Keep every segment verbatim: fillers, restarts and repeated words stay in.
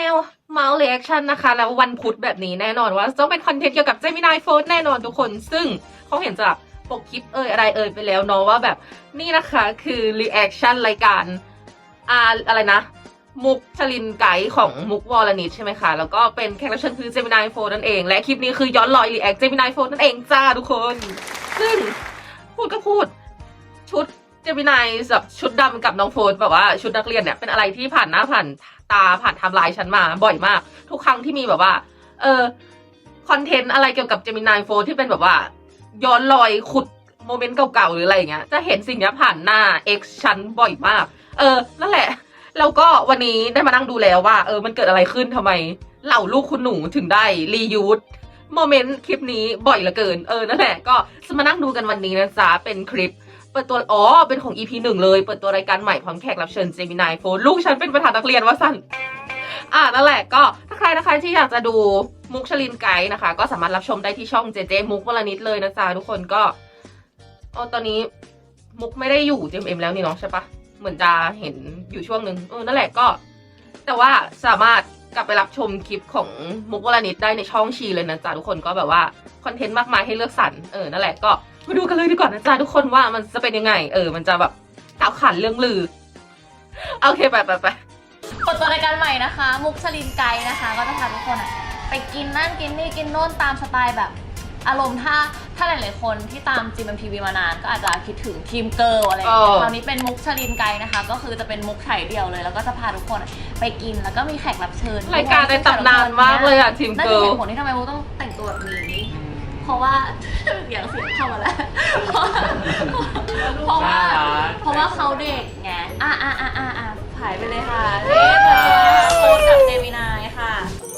วเมาส์เรีแอคชั่นนะคะแล้ววันพุธแบบนี้แน่นอนว่าต้องเป็นคอนเทนต์เกี่ยวกับ Gemini Fold แน่นอนทุกคนซึ่งเขาเห็นจากปกคลิปเอ่ยอะไรเอ่ยไปแล้วเนาะว่าแบบนี่นะคะคือรีแอคชั่นรายการอ่าอะไรนะมุกชลินไกด์ของมุกวอลนิชใช่ไหมคะแล้วก็เป็นแขกรับเชิญคือ Gemini Fold นั่นเองและคลิปนี้คือย้อนรอยรีแอค Gemini Fold นั่นเองจ้าทุกคนซึ่งพูดก็พูดชุดเจมินายแบบชุดดำกับน้องโฟนแบบว่าชุดนักเรียนเนี่ยเป็นอะไรที่ผ่านหน้าผ่านตาผ่านไทม์ไลน์ฉันมาบ่อยมากทุกครั้งที่มีแบบว่าเออคอนเทนต์อะไรเกี่ยวกับเจมินายโฟนที่เป็นแบบว่าย้อนรอยขุดโมเมนต์เก่าๆหรืออะไรอย่างเงี้ยจะเห็นสิ่งนี้ผ่านหน้า X ฉันบ่อยมากเออนั่นแหละแล้วก็วันนี้ได้มานั่งดูแล้วว่าเออมันเกิดอะไรขึ้นทำไมเหล่าลูกคุณหนูถึงได้รียูสโมเมนต์คลิปนี้บ่อยเหลือเกินเออนั่นแหละก็จะมานั่งดูกันวันนี้นะจ๊ะเป็นคลิปเปิดตัวอ๋อเป็นของ อี พี หนึ่งเลยเปิดตัวรายการใหม่พร้อมแขกรับเชิญ Gemini Fold ลูกฉันเป็นประธานนักเรียนว่าสั้นอ่านั่นแหละก็ถ้าใครนะคะที่อยากจะดูมุกชลินไกด์นะคะก็สามารถรับชมได้ที่ช่องเจเจมุกวลนิชเลยนะจ๊ะทุกคนก็อ๋อตอนนี้มุกไม่ได้อยู่ จี เอ็ม เอ็ม แล้วนี่เนาะใช่ปะเหมือนจะเห็นอยู่ช่วงนึงเออนั่นแหละก็แต่ว่าสามารถกลับไปรับชมคลิปของมุกวลนิชได้ในช่องชีเลยนะจ๊ะทุกคนก็แบบว่าคอนเทนต์มากมายให้เลือกสรรเออนั่นแหละก็มาดูกันเลยดีกว่านะจ๊ะทุกคนว่ามันจะเป็นยังไงเออมันจะแบบกล่าวขานเรื่องลือโอเคไปไปไปเปิดตัวรายการใหม่นะคะมุกชลินไกด์นะคะก็จะพาทุกคนอะไปกินนั่นกินนี่กินโน่นตามสไตล์แบบอารมณ์ถ้าถ้าหลายๆคนที่ตาม จี เอ็ม ที วี มานานก็อาจจะคิดถึงทีมเกิร์ลอะไรอย่างเงี้ยคราวนี้เป็นมุกชลินไกด์นะคะก็คือจะเป็นมุกไถ่เดียวเลยแล้วก็จะพาทุกคนไปกินแล้วก็มีแขกรับเชิญรายการในตำนานมากเลยอะทีมเกิร์ลนั่นคือเหตุผลที่ทำไมมุกต้องแต่งตัวแบบนี้เพราะว่าอย่างเสียงเข้ามาแล้วเพราะว่าเพราะว่าเขาเด็กไงอ่ะอ่ะอ่ะอ่ะอ่ะถ่ายไปเลยค่ะเอ๊ะโพสกับเจมินายค่ะ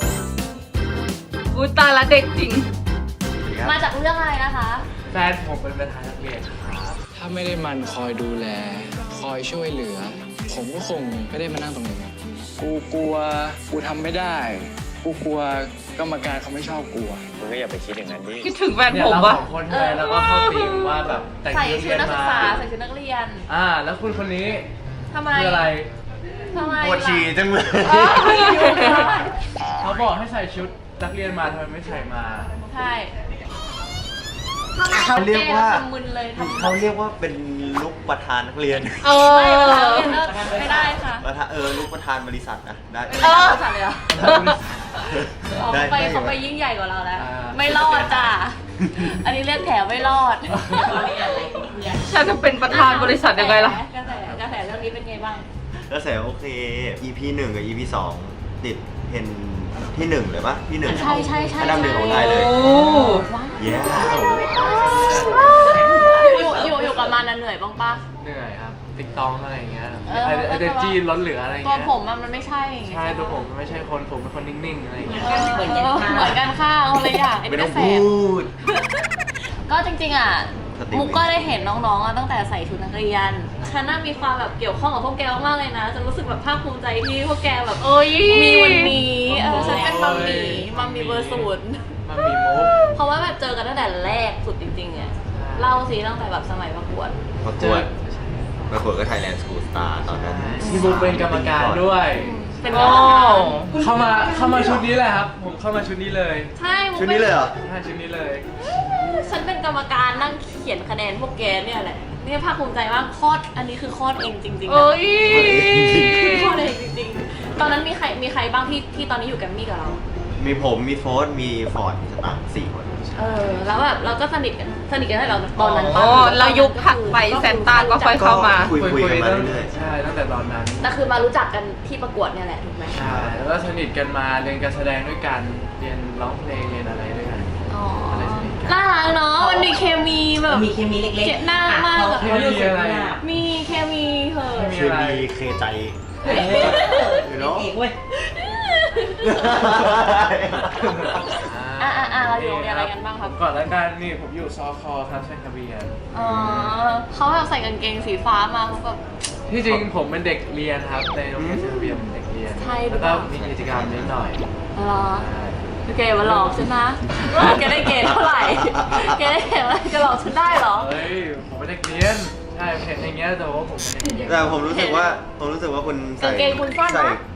อุ้ยตายละเด็กจริงมาจากเรื่องอะไรนะคะแฟนผมเป็นประธานนักเรียนครับถ้าไม่ได้มันคอยดูแลคอยช่วยเหลือผมก็คงไม่ได้มานั่งตรงนี้กูกลัวกูทำไม่ได้กูกลัวกรรมการเขาไม่ชอบกูมึงก็อย่าไปคิดอย่างนั้นดิคิดถึงแฟนเนี่ยผมเราวะสองคนเลยแล้วก็เข้าทีมว่าแบบแต่งใส่ชุดชุเรีดยนนักศึมากษาใส่ชุดนักเรียนอ่าแล้วคุณคนนี้ทำไมคืออะไรทำไมปวดฉี่จังเลยเขาบอกให้ใส่ชุดนักเรียนมาทำไมไม่ใส่มาใช่เขาเรียกว่ามึนเลยเขาเรียกว่าเป็นลุกประธานนักเรียนเออไม่ได้ค่ะประธานเออลุกประธานบริษัทนะได้ไม่ได้บริษัทเลยเหรอเขาไปเขาไปยิ่งใหญ่กว่าเราแล้วไม่รอดจ้ะอันนี้เรียกแถวไม่รอดฉันจะเป็นประธานบริษัทยังไงล่ะกระแสกระแสเรื่องนี้เป็นไงบ้างกระแสโอเค อี พี หนึ่งกับ อี พี สองติดเห็นที่หนึ่งเลยปะที่หนึ่งใช่ใช่ใช่อันดับหนึ่งของไทยเลยเย้อยู่อยู่อยู่กับมันเหนื่อยบ้างปะเหนื่อยครับติ๊กตองอะไรอย่างเงี้ยไอเดจีล้นเหลืออะไรอย่างเงี้ยตัวผมมันไม่ใช่ใช่ตัวผมไม่ใช่คนผมเป็นคนนิ่งๆอะไรอย่างเงี้ยเหมือนกันเหมือนกันค่ะอะไรอย่างไอ้กระแสก็จริงๆอ่ะมุกก็ได้เห็นน้องๆตั้งแต่ใส่ชุดนักเรียนฉันน่ามีความแบบเกี่ยวข้องกับพวกแกมากเลยนะจะรู้สึกแบบภาคภูมิใจที่พวกแกแบบมีวันนี้เออฉันเป็นมัมมี่มัมมี่เบอร์ศูนย์มัมมี่มุกเพราะว่าแบบเจอกันตั้งแต่แรกสุดจริงๆอ่ะเล่าสิตั้งแต่แบบสมัยประกวดประกวดประกวดก็ Thailand School Star ตอนนั้นพี่บุ๊กเป็นกรรมการด้วยเป็นกรรมการเข้ามาเข้ามาชุดนี้เลยครับผมเข้ามาชุดนี้เลยใช่ชุดนี้เลยเหรอใช่ชุดนี้เลยฉันเป็นกรรมการนั่งเขียนคะแนนพวกแกเนี่ยแหละนี่ภาคภูมิใจมากคลอดอันนี้คือคลอดเองจริงๆโอ้ยคลอดเองจริงๆตอนนั้นมีใครมีใครบ้างที่ที่ตอนนี้อยู่แกรมมี่กับเรามีผมมีโฟร์มีฟอร์ดมีสตางค์สี่คนเออแล้วแบบเราก็สนิทกันสนิทกันให้เราตอนนั้นอ๋อเรายุคถัดไปแซนต้าก็ค่อยเข้ามาคุยคุยกันมาเรื่อยๆใช่ตั้งแต่ตอนนั้นแต่คือมารู้จักกันที่ประกวดเนี่ยแหละถูกไหมใช่แล้วก็สนิทกันมาเรียนการแสดงด้วยกันเรียนร้องเพลงเรียนอะไรด้วยกันอ๋อน่ารักเนาะมันมีเคมีแบบมีเคมีเล็กๆเจ็บหน้ามากเคมีอะไรมีเคมีเหรอเคมีเคใจอยู่เนาะเอกเว้ยอ่าอ่าเราอยู่เรียนอะไรกันบ้างครับก่อนแล้วกันนี่ผมอยู่ซอคอครับใช่ทะเบียนอ๋อเขาแบบใส่กางเกงสีฟ้ามาเขาแบบที่จริงผมเป็นเด็กเรียนครับในโรงเรียนทะเบียนเด็กเรียนแล้วก็มีกิจกรรมนิดหน่อยอ๋อโอเคมาหลอกฉันนะแกได้เกรดเท่าไหร่แกได้เกรดอะไรจะหลอกฉันได้หรอเฮ้ยผมเป็นเด็กเรียนใช่เห็นอย่างเงี้ยแต่ว่าผมไม่ได้แต่ผมรู้สึกว่าผมรู้สึกว่าคุณใส่กางเกงคุณสั้นนะ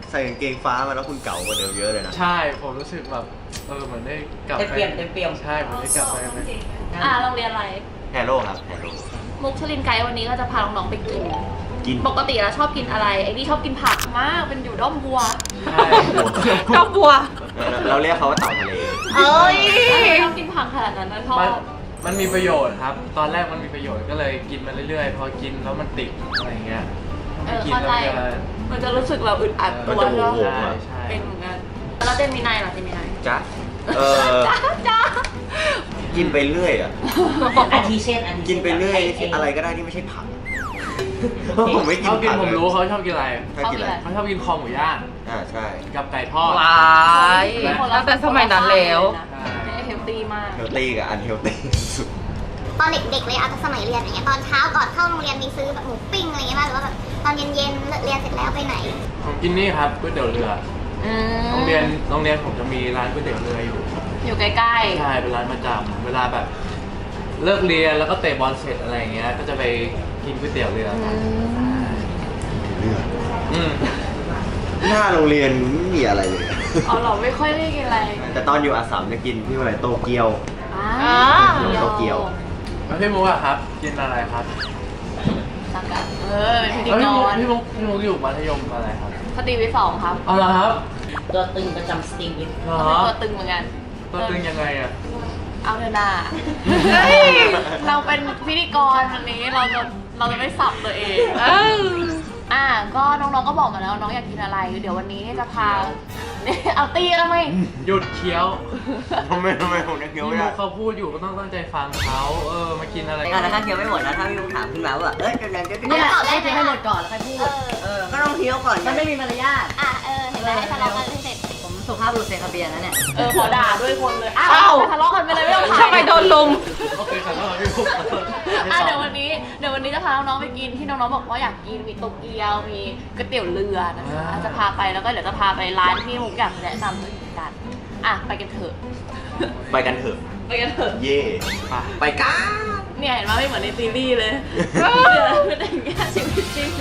ใส่กางเกงฟ้ามาแล้วคุณเก่ากว่าเดิมเยอะเลยนะใช่ผมรู้สึกแบบเออเหมือนได้กลับเต็มไปเปี่ยมเต็มเปี่ยมใช่เหมือนได้กลับไปไหมอ่าโรงเรียนอะไรแฮโร่ครับแฮโร่มุกชลินไกด์วันนี้ก็จะพาน้องๆไปกินกินปกติแล้วชอบกินอะไร ไอ้นี่ชอบกินผักมาก เป็นอยู่ด้อมบัวใช่ก็บัวเราเราเรียกเขาว่าเต่าทะเลเอ้ยชอบกินผักขนาดนั้นนะชอมันบมันมีประโยชน์ครับ ตอนแรกมันมีประโยชน์ก็เลยกินมาเรื่อยๆ พอกินแล้วมันติดอะไรเงี้ยเอไม่อกินเข้าใจแล้วจะมันจะรู้สึกแบบอึดอัดมัตันวจะโหใช่ไหมวงอ่ะใช่เป็นเหมือนกัน แล้วเจมินายเหรอเจมินายจ๊ะเออจ้าจ้ากินไปเรื่อยอ่ะอาทิเช่นอาทิกินไปเรื่อยอะไรก็ได้ที่ไม่ใช่ผักเพราะผมไม่กินเขากินผักผมรู้เขาชอบกินอะไรเขากินอะไรเขาชอบกินคอหมูย่างอ่าใช่กับไก่ทอดว้ายตั้งแต่สมัยนั้นแล้วไม่เฮลตี้มากเฮลตี้กับอันเฮลตี้สุดตอนเด็กๆเลยอาจจะสมัยเรียนอย่างเงี้ยตอนเช้าก่อนเข้าโรงเรียนมีซื้อแบบหมูปิ้งอะไรเงี้ยบ้างหรือว่าแบบตอนเย็นๆเลิกเรียนเสร็จแล้วไปไหนผมกินนี่ครับก๋วยเตี๋ยวเรืออืมโรงเรียนโรงเรียนผมจะมีร้านก๋วยเตี๋ยวเรืออยู่อยู่ใกล้ใช่เป็นร้านประจำเวลาแบบ เลิกเรียนแล้วก็เตะบอลเสร็จอะไรอย่างเงี้ย ก็จะไปกินก๋วยเตี๋ยวเรือๆกันเลือดอืมหน้าโรงเรียนไม่มีอะไรเลยอ๋อเหรอไม่ค่อยได้กินอะไรแต่ตอนอยู่อาสามจะกินที่อะไรโตเกียวอ่าโตเกียวแล้วพี่มุกอะครับ กินอะไรครับสักกันเออเป็นพิธีแล้วกพี่มุกรพี่มุกพี่มุกอยู่มัธยมอะไรครับสตรีวิทย์สองครับเอาละครับตัวตึงประจำสตรีมวิทเหรอเป็นตัวตึงเหมือนกันตัวตึงยังไงอะเอาเถอะนาเฮ้ยเราเป็นพิธีกรวันนี้เราจะเราจะไม่สับตัวเองเอออ่ะก็น้องๆก็บอกมาแล้วน้องอยากกินอะไร เดี๋ยววันนี้จะพา เอาตีแล้วไหมหยุดเคี้ยวทำไมทำไมผมนึกพี่เคี้ยวมุไม่ได้กเขาพูดอยู่ก็ต้องตั้งใจฟังเขาเออ มากินอะไรในการถ้าเคี้ยวไม่หมดนะถ้าพี่ลุงถามขึ้นมาว่าเอ้ยจะจะจะเนี่ยให้เคี้ยวให้หมดก่อนแล้วค่อยพูดเออเออ ก็ต้องเคี้ยวก่อนมันไม่มีมารยาทอ่ะเออเห็นไหมทะเลาะกันเสร็จผมสุภาพบุรุษเซคาเบียนนะเนี่ยเออขอด่าด้วยคนเลยอ้าอ้าววทะเลาะกันไปเลยไม่ต้องถ่ายทำไมโดนลุมโอเคครับแล้วพี่มุกอ่ะเดี๋ยววันนี้เดี๋ยววันนี้จะพาน้องๆไปกินที่น้องๆบอกว่าอยากกินมีโตเกียวมีก๋วยเตี๋ยวเรือนะคะจะพาไปแล้วก็เดี๋ยวจะพาไปร้านที่มุกอยากแนะนำด้วยเหมือนกันอ่ะไปกันเถอะไปกันเถอะไปกันเถอะเย่ไปกันเนี่ยเห็นว่าไม่เหมือนในซีรีส์เลยเออเป็นอย่างเงี้ยชีวิตจริง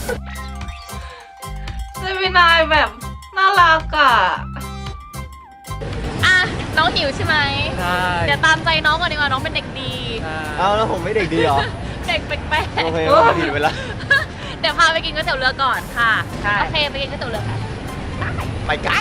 เจมินายแบบน่ารักอ่ะอ่ะน้องหิวใช่ไหมใช่เดี๋ยวตามใจน้องก่อนดีกว่าน้องเป็นเด็กดีเอาแล้วผมไม่เด็กดีเหรอเด็กแปลกๆโอเคผิดเวลาเดี๋ยวพาไปกินก๋วยเตี๋ยวเรือก่อนค่ะ โอเคไปกินก๋วยเตี๋ยวเรือกันไปกัน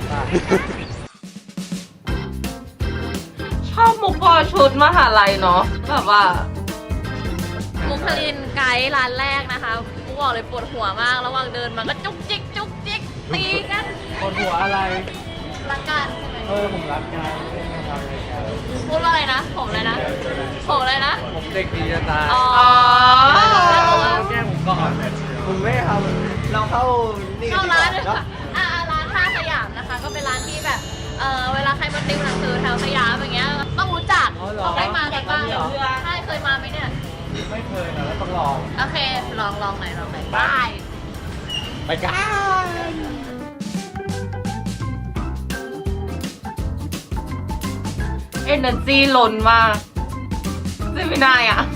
ชอบมุกพอชุดมหาลัยเนาะแบบว่ามุกคลินไกด์ร้านแรกนะคะมุกบอกเลยปวดหัวมากระหว่างเดินมันก็จุกจิกจุกจิกตีกันคนหัวอะไรรักกันใช่ไหมเออผมรักกันไม่ได้ทำอะไรกันพูดว่าอะไรนะ ผมเลยนะ ผมเลยนะผมเด็กดีจะตายอ๋อแก้ผมก่อนผมไม่ทำเราเข้านี่เข้าร้านเลยเนาะค่ะอ่าร้านท่าสยามนะคะ ก็เป็นร้านที่แบบ เออเวลาใครมาติวหนังสือแถวสยามอย่างเงี้ย ต้องรู้จักต้องได้มากันบ้างใช่เคยมาไหมเนี่ยไม่เคยนะแล้วต้องลองโอเค ลองลองหน่อยลองหน่อยบายไปกันเอเนอร์จีล้นมากเจมินายอ่ะ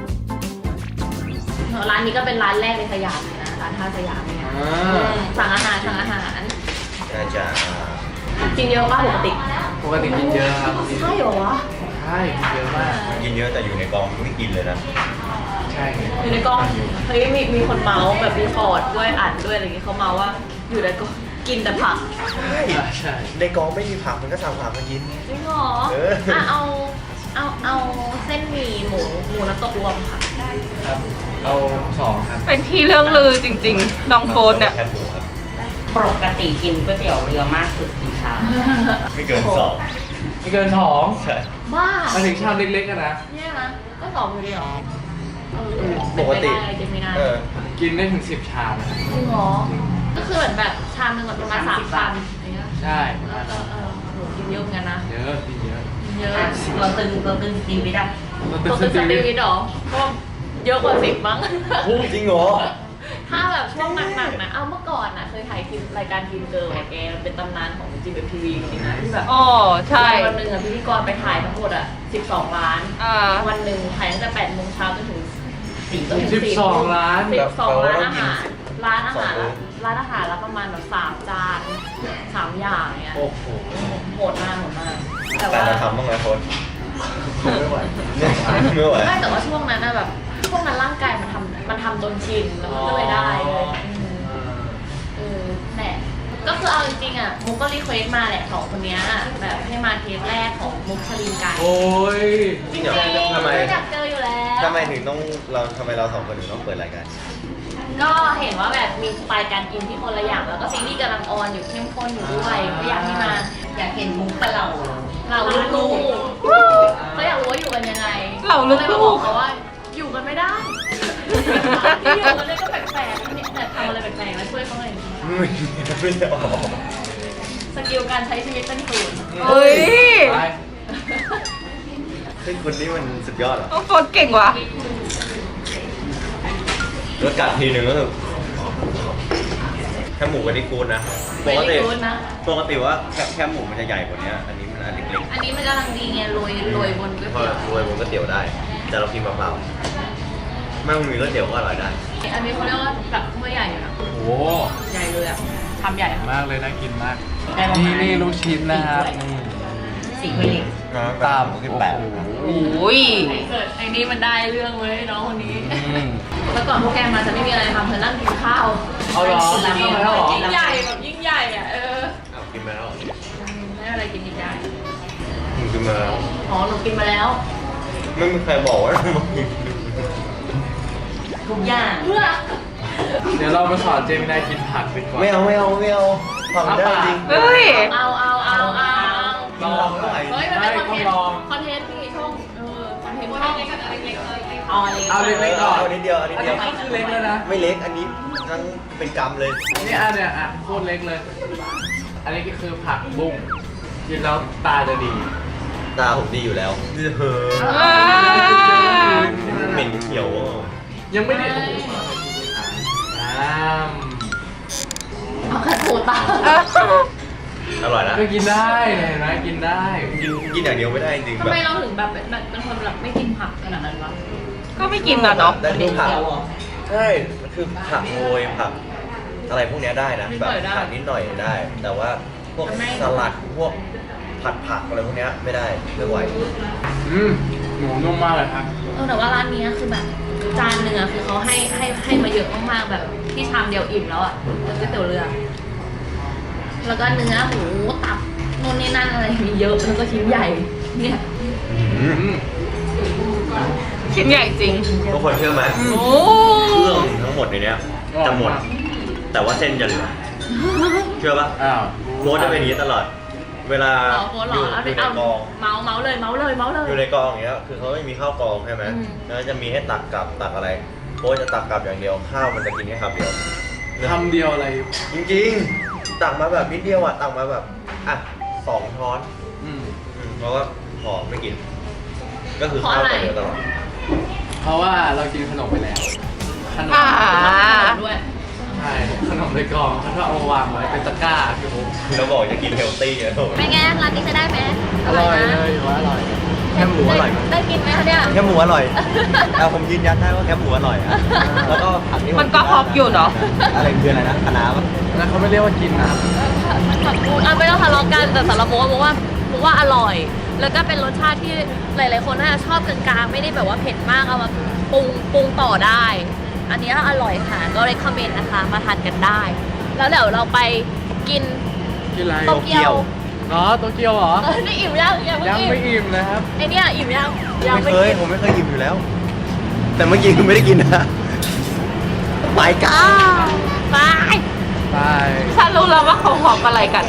ร้านนี้ก็เป็นร้านแรกในสยามเลยนะ ร้านท่าสยามเนี่ยอ่าสั่งอาหารสั่งอาหารน่าจะกินเยอะป่ะปกติปกติกินเยอะครับใช่เหรอวะใช่กินเยอะมากกินเยอะแต่อยู่ในกองไม่กินเลยนะใช่อยู่ในกล้องเฮ้ยมีมีคนเมาส์แบบรีพอร์ตด้วยอ่านด้วยอะไรอย่างเงี้ยเขาเมาว่าอยู่ในกล้องกินแต่ผักใช่ใช่ในกองไม่มีผักมันก็สั่งผักมากินจริงเหรอเอออ่อ่ะเอาเอาเอาเส้นหมี่หมูหมูน้ำตกรวมค่ะครับเอาสองครับเป็นที่เรื่องลือจริงๆ น้องโฟนเนี่ยแคบหมูครับปกติกินก๋วยเตี๋ยวเรือมากสุดกี่ชามไม่เกินสองไม่เกินสองใช่บ้ามาถึงชามเล็กๆกันนะเนี่ยนะก็สองอยู่ดีเหรอเออปกติเป็นไปได้จะมีนาเออกินได้ถึงสิบชามนะจริงเหรอก็คือเหมือนแบบชามหนึ่งแบบประมาณสามคำอย่างเงี้ยใช่เออเออเออโหกินเยอะเหมือนกันนะเยอะกินเยอะกินเยอะตัวตึงตัวตึงสตรีมวิทอะตัวเป็นสตรีวิทย์เหรอก็เยอะกว่าสิบมั้งจริงเหรอถ้าแบบช่วงหนักๆนะเอาเมื่อก่อนนะเคยถ่ายกินรายการกินเกิร์ลอะแกมันเป็นตำนานของจีเอ็มทีวีจริงๆนะที่แบบอ๋อ ใช่วันหนึ่งอะพิธีกรไปถ่ายทั้งหมดอะสิบสองล้านอ่าวันหนึ่งถ่ายตั้งแต่แปดโมงเช้าจนถึงสี่สิบสองล้านสิบสองร้านอาหารร้านอาหารสองมื้อร้านอาหารแล้วประมาณแบบสามจานสามอย่างเนี้ยโอ้โหโหดมากโหดมากแต่แต่ว่าเราทำบ้างไหมโค้ชไม่ไหวไม่ไหวไม่แต่ว่าช่วงนั้นนะแบบช่วงนั้นร่างกายมันทำมันทำจนชินแล้วมันก็เลยได้เลยอืมเออแหละก็คือเอาจริงๆอ่ะมุกก็รีเควสมาแหละสองคนเนี้ยแบบให้มาเทสแรกของมุกชลินไก่โอ้ยจริงเหรอทำไมอยากเจออยู่แล้วทำไมถึงต้องเราทำไมเราสองคนถึงต้องเปิดรายการก็เห็นว่าแบบมีสไตล์การกินที่คนละอย่างแล้วก็ซีรีส์กำลังออนอยู่เข้มข้นอยู่ด้วยก็อยากให้มาอยากเห็นมุกกับเราเราลูกๆเขาอยากรู้ว่าอยู่กันยังไงเราลูกๆเลยมาบอกเขาว่าอยู่กันไม่ได้ที่อยู่กันเนี่ยก็แปลกๆเนี่ยแต่ทำอะไรแปลกๆแล้วช่วยเขาหน่อยไม่ไม่ได้ออกสกิลการใช้ชีวิตเป็นศูนย์เฮ้ยไปเฮ้ยคนนี้มันสุดยอดเหรอโฟนเก่งว่ะรสกัดทีหนึ่งก็คือแค่หมูกับนี่กูดนะ ปไม่กได้ติรู้นะปกติว่าแค่แค่หมูมันจะใหญ่กว่านี้อันนี้มันอันเล็กอันนี้มันกำลังดีไงโรยโรยบนก๋วยๆพอเตี๋ยวรวยบนก๋วยเตี๋ยวได้ แต่เรากินเปล่าๆไม่ต้องมีก๋วยเตี๋ยวก็อร่อยได้อันนี้เขาเรียกว่าแบบถ้วยใหญ่อยู่นะโอ้โหใหญ่เลยอะทำใหญ่อะมากเลยน่ากินมากได้ประมาณนี่นี่ลูกชิ้นนะครับนี่สี่ถ้วยเล็กตามสิบแปดโอ้ยไอ้เกิดไอ้นี่มันได้เรื่องเว้ยน้องคนนี้อืมแล้วก่อนพวกแกมาจะไม่มีอะไรทำเธอนั่งกินข้าวเอาเหรอกินกินข้าวแล้วเหรอยิ่งใหญ่แบบยิ่งใหญ่อะเออเอากินมาแล้วไม่อะไรกินยิ่งใหญ่มึงกินมาแล้วอ๋อหนูกินมาแล้วไม่มีใครบอกว่ามึงกินทุกอย่างเมื่อเดี๋ยวเรามาสอนเจมินายกินผักดีกว่าไม่เอาไม่เอาไม่เอาทำได้จริงเฮ้ยเอาเอาเอาเอาลองไม่ไหวเฮ้ยมันเป็นคอนเทนไม่ต้องลองต์คอนเทนต์นี่ช่องเออคอนเทนต์ช่องเอาอะไรเอาเล็กๆก่อนเอานิดเดียวเอานิดอันเดีนี้ยวก็คือเล็กแล้วนะไม่เล็กอันนี้ทั้งเป็นกำเลยนี่อันเนี้ยอ่ะโคตรเล็กเลย อันนี้ก็คือผักบุ้งกินแล้วตาจะดีตาผมดีอยู่แล้วเฮ้ยอ่าเหม็นเขียวอ่ะยังไม่ได้อ้ามเอากระถูตาเอออร่อยนะก็กินได้เห็นไหมกินได้กินกินอย่างเดียวไม่ได้จริงทำแบบไมเราถึงแบบเป็นเป็นคนแบบไม่กินผักขนาดนั้นวะก็ไม่กินนะเนาะได้ทุกผักเดียวเหรอใช่มันคือผักโรยผัก อะไรพวกเนี้ยได้นะแบบผักนิดหน่อยได้ แต่ว่าพวกสลัดพวกผัดผักอะไรพวกเนี้ยไม่ได้ไม่ไหวอืมหมูนุ่มมากเลยครับเออแต่ว่าร้านนี้คือแบบจานหนึ่งอะคือเขาให้ให้ให้มาเยอะมากๆแบบที่ชามเดียวอิ่มแล้วอะแล้วก๋วยเตี๋ยวเรือ แล้วก็เนื้อหมูตับนู่นนี่นั่นอะไรมีเยอะแล้วก็ชิ้นใหญ่เนี่ยอืมชิ้นใหญ่จริงทุกคนเชื่อไหมโอ้เครื่องทั้งหมดในเนี้ยจะหมด แต่ว่าเส้นจะเหลือ เชื่อปะอ้าวโค้ชจะเป็นอย่างนี้ตลอด เวลาอ๋อโค้ดเหรออยู่ เอาอยู่ในเอากองเมาส์เมาส์เลยเมาส์เลยเมาส์เลยอยู่ในกองอย่างเงี้ย คือเขาไม่มีข้าวกองใช่ไหมอืมแล้วจะมีให้ตักกลับตักอะไรโค้ชจะตักกลับอย่างเดียว ข้าวมันจะกินแค่คำเดียวคำเดียวอะไรจริงๆ ตักมาแบบนิดเดียวอ่ะ ตักมาแบบ อ่ะสองช้อนอืมอืมเพราะว่าพอไม่กิน ก็คือข้าวแต่เดียวตลอดเพราะว่าเรากินขนมไปแล้ว ขนมอ่าด้วยใช่ขนมในกล่องเขาก็เอามาวางไว้เป็นตะกร้าคือผมแล้วบอกจะกินเฮลตี้อะโถเป็นไงร้านนี้จะได้ไหมอร่อยเลยว่าอร่อยแคบหมูอร่อยได้กินไหมคะเนี่ยแคบหมูอร่อยแต่ผมยืนยันได้ว่าแคบหมูอร่อยอะแล้วก็ผักนี่ผมันก็ฮอปอยู่เนอะอะไรคืออะไรนะคะน้าปะแล้วเขาไม่เรียกว่ากินนะผักบุ้งอ่ะไม่ต้องทะเลาะกันแต่สำหรับโมว่าโมว่าโมว่าอร่อย แล้วก็เป็นรสชาติที่หลาย ๆ คนน่าจะชอบกลางๆไม่ได้แบบว่าเผ็ดมากเอามาปรุงปรุงต่อได้ อันนี้อร่อยค่ะก็ recommend นะคะมาทานกันได้ แล้วเดี๋ยวเราไปกินกินอะไรโตเกียวอ๋อโตเกียวเหรอเออนี่อิ่มยังยังยังไม่ไม่อิ่มอิ่มนะครับไอเนี่ยอิ่มยังยังไม่ไม่เคยอิ่มผมไม่เคยอิ่มอยู่แล้ว แต่เมื่อกี้คือไม่ได้กินนะไปกัอ้าน วไปไปฉันรู้แล้วว่าเขาฮอปอะไรกัน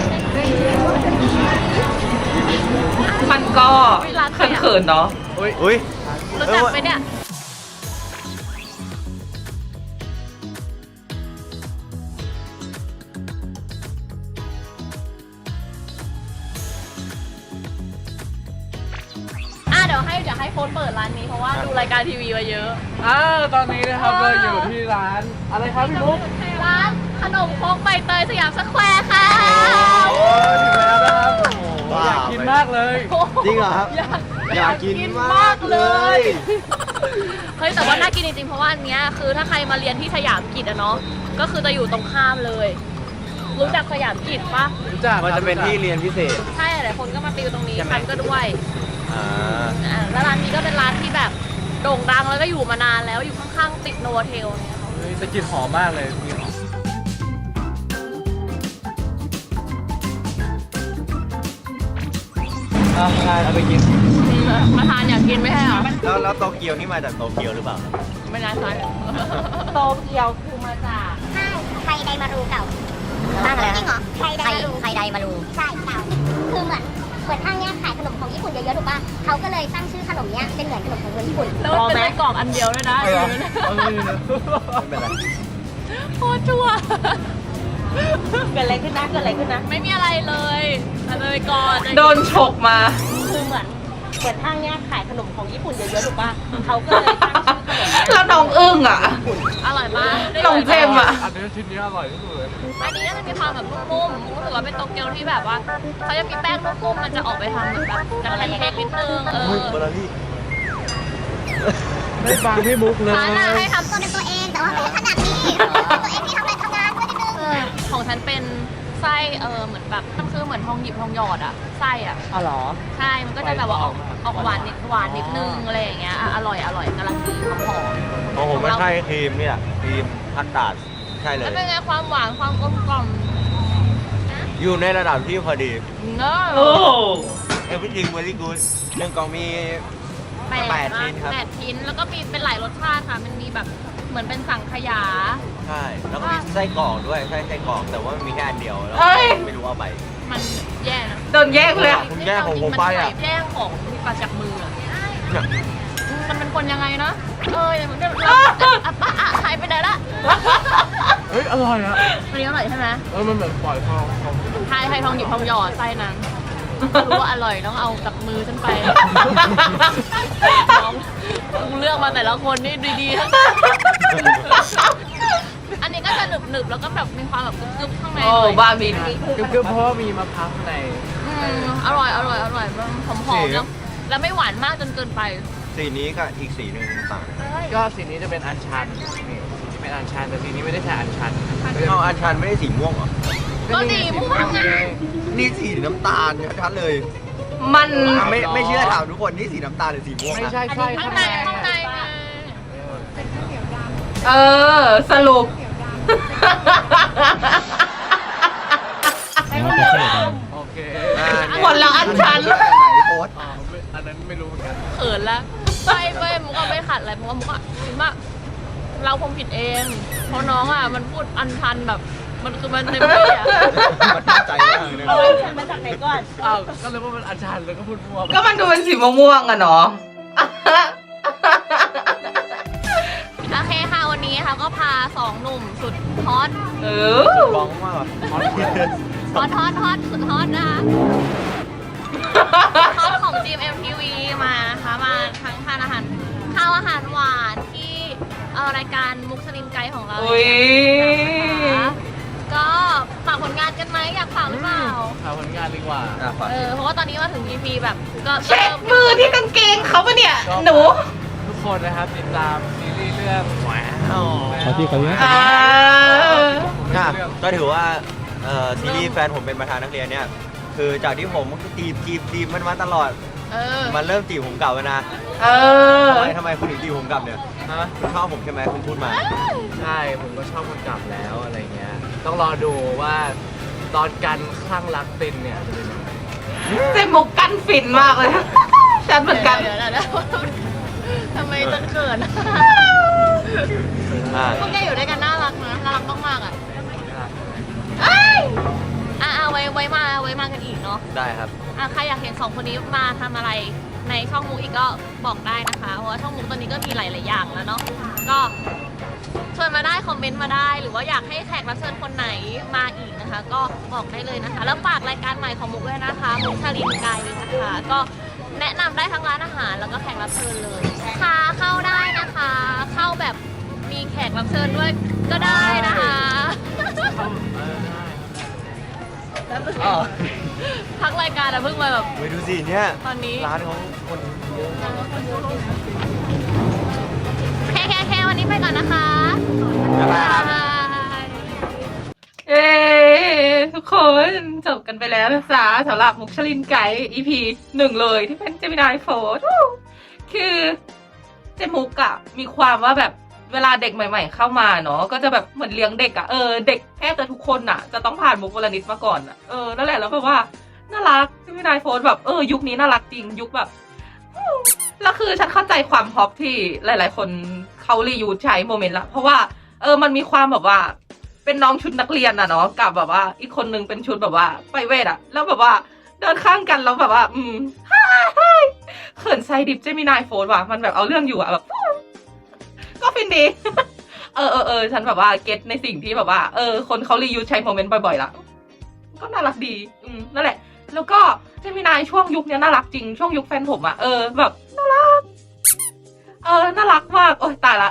มันก็เขินๆเนาะอุ้ยอุ้ยรู้จักไหมเนี่ยอ่ะเดี๋ยวให้เดี๋ยวให้โฟนเปิดร้านนี้เพราะว่าดูรายการทีวีมาเยอะอ้าวตอนนี้นะครับเราอยู่ที่ร้านอะไรครับพี่มุกร้านขนมครกใบเตยสยามสแควร์ค่ะโอ้ถึงแล้วนะครับโอ้โหอยากกินมากเลยจริงเหรอครับอยากอยากกินมากเลยเเฮ้ยแต่ว่าน่ากินจริงๆเพราะว่าอันเนี้ยคือถ้าใครมาเรียนที่สยามกิจอะเนาะก็คือจะอยู่ตรงข้ามเลย รู้จักสยามกิจปะรู้จักมันจะเป็นที่เรียนพิเศษใช่หลายคนก็มาติวตรงนี้ใช่ไหมฉันก็ด้วยอ่าอ่าแล้วร้านนี้ก็เป็นร้านที่แบบโด่งดังแล้วก็อยู่มานานแล้วอยู่ข้างๆติดโนเทลเนี่ยเฮ้ยแต่กลิ่นหอมมากเลยกลิ่นหอมอ่ะได้เอาไปกินมาทานอยากกินไม่ใช่เหรอแล้วแล้วโตเกียวนี่มาจากโตเกียวหรือเปล่าไม่น่าใช่โตเกียวคือมาจากใช่ไทยไดมารูเก่าห้างอะไรจริงเหรอไทยไดมารูไทยไดมารูใช่เก่าคือเหมือนเหมือนห้างเนี้ยขายขนมของญี่ปุ่นเยอะๆถูกป่ะเขาก็เลยตั้งชื่อขนมเนี้ยเป็นเหมือนขนมของคนญี่ปุ่นแล้วมันเป็นไส้กรอกอันเดียวด้วยนะเอาเหรออยู่นั่นเอานะเลยนะไม่เป็นไรโคตรชั่วเกิดอะไรขึ้นนะ เกิดอะไรขึ้นนะไม่มีอะไรเลยเอาเลยก่อนโดนฉกมาคือเหมือนเหมือนห้างเนี้ยขายขนมของญี่ปุ่นเยอะๆถูกป่ะเขาก็เลยตั้งชื่อขนมเนี้ยแล้วน้องอึ้งอ่ะอร่อยมากน้องเจมส์อ่ะอันนี้ชิ้นนี้อร่อยที่สุดเลยอันนี้มันมีความแบบนุ่มๆรู้สึกว่าเป็นโตเกียวที่แบบว่าเขาจะมีแป้งนุ่มๆมันจะออกไปทางเหมือนแบบกันแเค้กนิดนึงเอออุ้ยเบอร์รี่ไม่ฟังพี่มุกเลยร้านน่ะให้ทำตัวเป็นตัวเองแต่ว่าไม่ได้ขนาดนี้ตัวเองที่ทำอะไรทำงานด้วยนิดนึงเออของฉันเป็นไส้เออเหมือนแบบมันคือเหมือนทองหยิบทองหยอดอะไส้อะอ๋อเหรอใช่มันก็จะแบบว่าออกออกหวานนิดหวานนิดนึงอะไรอย่างเงี้ยอ่ะอร่อยอร่อยกำลังดีหอมหอมของผมไม่ใช่ครีมเนี่ยครีมพัตตาร์ดใช่เลแล้วยเป็นไงความหวานความกลมกล่อมอยู่ในระดับที่พอดีเนอะโอ้ everything very good หนึ่งกล่องมี แปดชิ้นครับแปดชิ้นแล้วก็มีเป็นหลายรสชาติค่ะมันมีแบบเหมือนเป็นสังขยาใช่ แล้วก็มีไส้กรอกด้วยไส้ไส้กรอกแต่ว่ามีแค่อันเดียวแล้วเอ้ยไม่รู้เอาไปมันแย่นะโดนแยกเลยอะคุณแย่งของผมไปอะแย่งของมีปลาจากมืออะมันเป็นคนยังไงนะเออมันจะอ่ะป้าอ่ะหายไปไหนละเฮ้ย อร่อยอ่ะวันนี้อร่อยใช่ไหมเออมันเหมือนปล่อยทองของไทยไทยทองหยิบทองหยอดไส้นั้นรู้ว่าอร่อยต้องเอากับมือฉันไปน้องกูเลือกมาแต่ละคนนี่ดีๆทั้งนั้นอันนี้ก็จะหนึบๆแล้วก็แบบมีความแบบกรึบๆข้างในโอ้หน่อยบาบินคือเพราะว่ามีมะพร้าวข้างในอืมอร่อยอร่อยอร่อยมันหอมๆแล้วแล้วไม่หวานมากจนเกินไปสีนี้กับอีกสีหนึ่งต่างก็สีนี้จะเป็นอัญชันนี่สีนี้เป็นอัญชันแต่สีนี้ไม่ได้ใช้อัญชันเอาอันชันไม่ได้สีม่วงเหรอก็สีม่วงไงนี่สีน้ำตาลชัดๆเลยมันอ่ะไม่ไม่เชื่อถามทุกคนนี่สีน้ำตาลหรือสีม่วงไม่อะใช่ใช่ข้างข้างในในข้างในไงเออ สรุปโอเคอ่าเนี่ยคนละอันชันเลือกอันไหนโพสต์อ๋อไม่อันนั้นไม่รู้เหมือนกันเขินละไม่ไม่มุกก็ไม่ขัดอะไรเพราะว่ามุกอะคิดว่าเราคงผิดเอง เพราะน้องอ่ะมันพูดอันทันแบบมันคือมันเต็มที่อ่ะมันตั้งใจมากเลยนะเอาฉันมาจากไหนก่อนอ้าวก็เลยว่ามันอัญชันแล้วก็พูดมั่วก็มันดูเป็นสีม่วงๆอะเนาะโอเคค่ะวันนี้ค่ะก็พาสองหนุ่มสุดฮอตเออร้องมากอะฮอตฮอตฮอตสุดฮอตนะคะฮอตของ จี เอ็ม ที วี มานะคะมาทั้งทานอาหารข้าวอาหารหวานที่เอ่อรายการมุกสลินไกด์ของเราอุ๊ยนะคะก็ฝากผลงานกันไหมอยากฝากหรือเปล่าเอาผลงานดีกว่าอ่ะฝากเออเพราะว่าตอนนี้มาถึง อี พี แบบก็เช็คมือที่กางเกงเขาปะเนี่ย หนูทุกคนนะครับติดตามซีรีส์เรื่องแหวนขอที่ขอที่อ่าอ่ะก็ถือว่าเอ่อซีรีส์แฟนผมเป็นประธานนักเรียนเนี่ย คือจากที่ผมจีบจีบจีบมันมาตลอดเออมันเริ่มจีบผมกลับแล้วนะเออทำไมทำไมคุณถึงจีบผมกลับเนี่ยฮะคุณชอบผมใช่ไหมคุณพูดมาใช่ผมก็ชอบคนกลับแล้วอะไรเงี้ย ต้องรอดูว่าตอนกันคลั่งรักตินเนี่ยจะเป็นยังไงเจมุกกันฟินมากเลย ฉันเหมือนกันเดี๋ยวเดี๋ยวเดี๋ยวทำไมต้องเขินอ่าพวกแกอยู่ด้วยกันน่ารักนะน่ารักมากๆอ่ะเอ้ยอ่ะเอาไว้ไว้มาไว้มากันอีกเนาะได้ครับอ่ะใครอยากเห็นสองคนนี้มาทำอะไรในช่องมุกอีกก็บอกได้นะคะ เพราะว่าช่องมุกตอนนี้ก็มีหลาย ๆ อย่างแล้วเนาะ ก็ชวนมาได้คอมเมนต์มาได้ หรือว่าอยากให้แขกรับเชิญคนไหนมาอีกนะคะ ก็บอกได้เลยนะคะ แล้วฝากรายการใหม่ของมุกด้วยนะคะ มุกชาลินไกด์นะคะ ก็แนะนำได้ทั้งร้านอาหารแล้วก็แขกรับเชิญเลยค่ะเข้าได้นะคะ เข้าแบบมีแขกรับเชิญด้วยก็ได้นะคะอ๋อพักรายการอะเพิ่งมาแบบไปดูสิเนี่ยตอนนี้ร้านเขาคนเยอะไปก่อนนะคะบ๊ายบายครับบ๊ายบายเอ้ทุกคนจบกันไปแล้วนะจ๊ะสำหรับมุกชลินไก่ อี พี หนึ่งเลยที่เป็นเจมินายโฟร์คือเจมุกอะมีความว่าแบบเวลาเด็กใหม่ ๆ เข้ามาเนาะก็จะแบบเหมือนเลี้ยงเด็กอะเออเด็กแทบจะทุกคนอะจะต้องผ่านมุกวลนิดมาก่อนอะเออนั่นแหละแล้วแบบว่าน่ารักเจมินายโฟร์แบบเออยุคนี้น่ารักจริงยุคแบบแล้วคือฉันเข้าใจความฮอปที่หลาย ๆ คนเขารียูสใช้โมเมนต์ละเพราะว่าเออมันมีความแบบว่าเป็นน้องชุดนักเรียนอะเนาะกับแบบว่าอีกคนนึงเป็นชุดแบบว่าไปเวทอะแล้วแบบว่าเดินข้างกันแล้วแบบว่า อืมเขินไซดิบเจมินายโฟนว่ะมันแบบเอาเรื่องอยู่อะแบบ ก็ฟินดี เออเออเออฉันแบบว่าเก็ตในสิ่งที่แบบว่าเออคนเขารียูสใช้โมเมนต์บ่อยๆละก็น่ารักดีอืมนั่นแหละแล้วก็เจมินายช่วงยุคนี้น่ารักจริงช่วงยุคแฟนผมอะเออแบบน่ารักเออน่ารักมากโอ้ยตายละ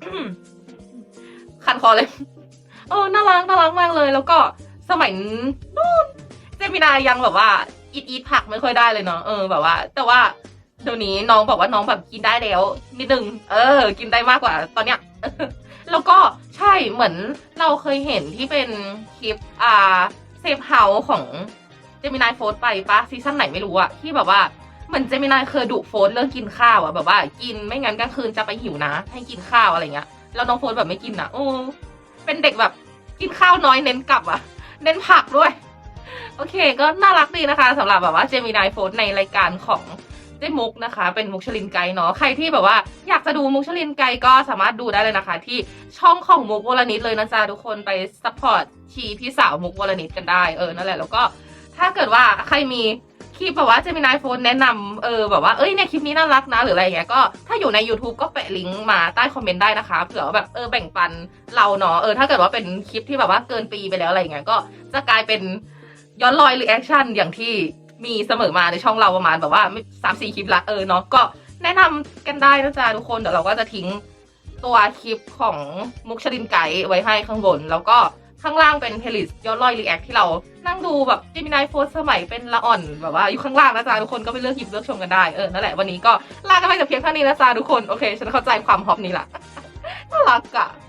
คันคอเลยเออน่ารักน่ารักมากเลยแล้วก็สมัยนู้นเจมินายยังแบบว่าอีทอีทผักไม่ค่อยได้เลยเนาะเออแบบว่า แต่ว่าเดี๋ยวนี้น้องบอกว่าน้องแบบกินได้แล้วนิดนึงเออ กินได้มากกว่าตอนเนี้ย แล้วก็ใช่เหมือนเราเคยเห็นที่เป็นคลิปอ่าเซฟเฮาส์ของเจมินายโฟร์ไปปะซีซั่นไหนไม่รู้อะที่แบบว่าเหมือนเจมินายเคยดุโฟร์เรื่องกินข้าวอะแบบว่ากินไม่งั้นกลางคืนจะไปหิวนะให้กินข้าวอะไรเงี้ยแล้วน้องโฟร์แบบไม่กินอะโอ้เป็นเด็กแบบกินข้าวน้อยเน้นกลับอะเน้นผักด้วยโอเคก็น่ารักดีนะคะสำหรับแบบว่าเจมินายโฟร์ในรายการของเจมุกนะคะเป็นมุกชลินไกด์เนาะใครที่แบบว่าอยากจะดูมุกชลินไกด์ก็สามารถดูได้เลยนะคะที่ช่องของมุกวลนิดเลยนะจ๊ะทุกคนไปซัพพอร์ตชีพี่สาวมุกวลนิดกันได้เออนั่นแหละแล้วก็ถ้าเกิดว่าใครมีคลิปแบบว่าเจมินายโฟนแนะนำเออแบบว่าเอ้ยเนี่ยคลิปนี้น่ารักนะหรืออะไรอย่างเงี้ยก็ถ้าอยู่ใน YouTube ก็แปะลิงก์มาใต้คอมเมนต์ได้นะคะเผื่อว่าแบบเออแบ่งปันเราเนาะเออถ้าเกิดว่าเป็นคลิปที่แบบว่าเกินปีไปแล้วอะไรอย่างเงี้ยก็จะกลายเป็นย้อนรอยรีแอคชั่นอย่างที่มีเสมอมาในช่องเราประมาณแบบว่าสามสี่คลิปละเออเนาะก็แนะนำกันได้นะจ๊ะทุกคนเดี๋ยวเราก็จะทิ้งตัวคลิปของมุกชลินไกด์ไว้ให้ข้างบนแล้วก็ข้างล่างเป็นเพลย์ลิสต์ย้อนรอยรีแอคที่เรานั่งดูแบบเจมินายโฟร์สมัยเป็นละอ่อนแบบว่าอยู่ข้างล่างนะจ๊ะทุกคนก็ไปเลือกหยิบเลือกชมกันได้เออนั่นแหละวันนี้ก็ลากันไปแต่เพียงเท่านี้นะจ๊ะทุกคนโอเคฉันเข้าใจความฮอปนี้ละ น่ารักอะ